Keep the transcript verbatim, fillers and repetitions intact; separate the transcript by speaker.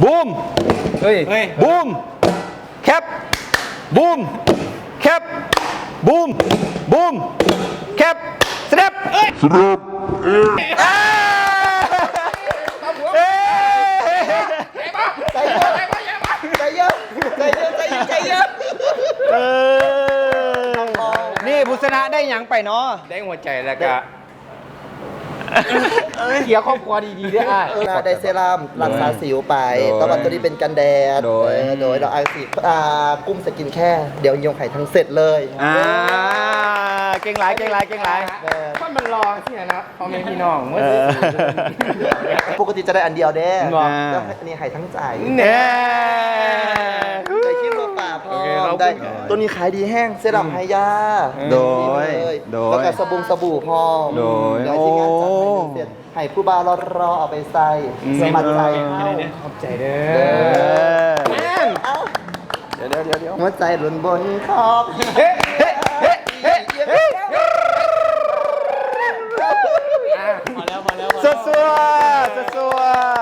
Speaker 1: บูมเฮ้ยบูมแคปบูมแคปบูมบูมแคปสแนปสแนป
Speaker 2: ใจเยอะใจเยอะใจเยอะใจเยอะ
Speaker 1: นี่บุษณะได้หยังไปเนาะ
Speaker 3: ได้หัวใจแล้วก็เขียร์ครอบครัวดีๆด้วยอ่ะ
Speaker 2: เราได้เซรั่มรักษาสิวไปตอนตัวนี้เป็นกันแดด
Speaker 1: โดย
Speaker 2: โดยเราเอาสีอ่ากุ้มสกินแค่เดี๋ยวยงไข่ทั้งเสร็จเลย
Speaker 1: อ่าเก่งหลายเก่งหลายเก่งหลาย
Speaker 3: ถ้ามันรอที่นะพ่อแม่พี่น้องเมื่อ
Speaker 2: ปกติจะได้อันเดียวเด้
Speaker 1: ว้า
Speaker 2: แล้วอันนี้ไข่ทั้งใจ
Speaker 1: เนี่ย
Speaker 2: ได้ขี้ตัวป่าพอ
Speaker 1: โอเคครับ
Speaker 2: ได้ตัวนี้ขายดีแห้งเซรั่มไฮยา
Speaker 1: โดย
Speaker 2: เลย
Speaker 1: โดย
Speaker 2: แล้วก็สบู่สบู่พอ
Speaker 1: โดย
Speaker 2: เดี๋ยวที่งานจัดให้เสร็จให้ผู้บ่าวรอๆเอาไปใส่สมัครใจเข้า
Speaker 3: ขอบใจเด้
Speaker 1: เอ
Speaker 3: อ
Speaker 1: อ
Speaker 2: เอ้า
Speaker 1: เดี๋ยวเดี๋ยวเดี๋ยวเดี๋ยว
Speaker 2: หัวใจหล่นบนขอบ
Speaker 1: สัวสัวสัวสัว